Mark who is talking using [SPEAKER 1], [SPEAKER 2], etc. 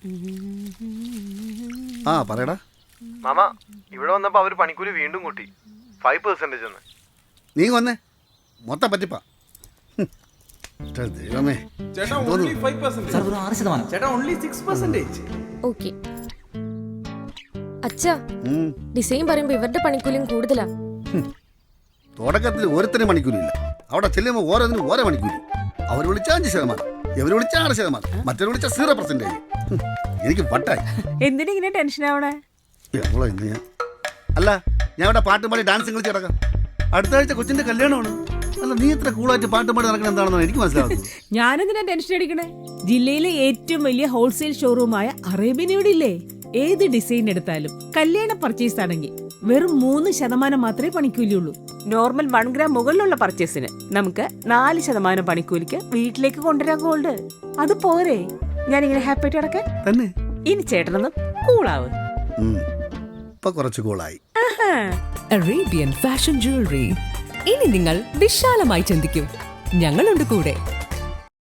[SPEAKER 1] ആ പറയടാ
[SPEAKER 2] മാമ ഇവിടെ വന്നപ്പോ അവര് പണിക്കൂലി വീണ്ടും കൂട്ടി 5% എന്ന്.
[SPEAKER 1] നീ വന്നേ മൊത്തം പറ്റിപ്പാ ദൈവമേ
[SPEAKER 3] ചേട്ടാ only 5%.
[SPEAKER 4] സാർ വെറും 6%.
[SPEAKER 3] ചേട്ടാ only 6%.
[SPEAKER 5] ഓക്കെ അച്ഛാ, ഡിസൈൻ പറയുമ്പോ ഇവരുടെ പണിക്കൂലിയും കൂടുതലാ.
[SPEAKER 1] തുടക്കത്തിൽ ഓരോരുത്തരും മണിക്കൂലില്ല, അവിടെ ചെല്ലുമ്പോൾ ഓരോന്നിനും ഓരോ മണിക്കൂലി. അവർ വിളിച്ച 5%, ഇവർ വിളിച്ച 6%, മറ്റൊരു വിളിച്ച 0%. എനിക്ക് വട്ടായി.
[SPEAKER 6] എന്തിനാ ഇങ്ങനെ ടെൻഷൻ ആവണേ?
[SPEAKER 1] അല്ല, ഞാൻ ഇവിടെ പാട്ടും പാടി ഡാൻസ് കളിച്ച് കിടക്കാം. അടുത്ത ആഴ്ച കൊച്ചിന്റെ കല്യാണമാണ്. അല്ല, നീ ഇത്ര കൂളായിട്ട് പാട്ടും പാടി നടക്കണം എന്താണെന്ന് എനിക്ക് മനസ്സിലാവുന്നത്.
[SPEAKER 6] ഞാനെന്തിനാ ടെൻഷൻ അടിക്കണേ? ജില്ലയിലെ ഏറ്റവും വലിയ ഹോൾസെയിൽ ഷോറൂമായ അറേബ്യൻ ഇവിടെ ഇല്ലേ? ഏത് ഡിസൈൻ എടുത്താലും കല്യാണ പർച്ചേസ് ആണെങ്കിൽ വെറും 3% മാത്രമേ പണിക്കൂലിയുള്ളൂ. നോർമൽ 1 ഗ്രാം മുകളിലുള്ള പർച്ചേസിന് നമുക്ക് 4% പണിക്കൂലിക്ക് വീട്ടിലേക്ക് കൊണ്ടുവരാൻ ഗോൾഡ്. അത് പോരെ ഞാനിങ്ങനെ ഹാപ്പി ആയിട്ട് കിടക്കാൻ
[SPEAKER 1] തന്നെ.
[SPEAKER 6] ഇനി ചേട്ടനൊന്നും കൂളാവ്.
[SPEAKER 1] ഇപ്പൊ കുറച്ച് കൂളായി.
[SPEAKER 7] Arabian fashion jewellery. ഇനി നിങ്ങൾ വിശാലമായി ചിന്തിക്കും. ഞങ്ങളുണ്ട് കൂടെ.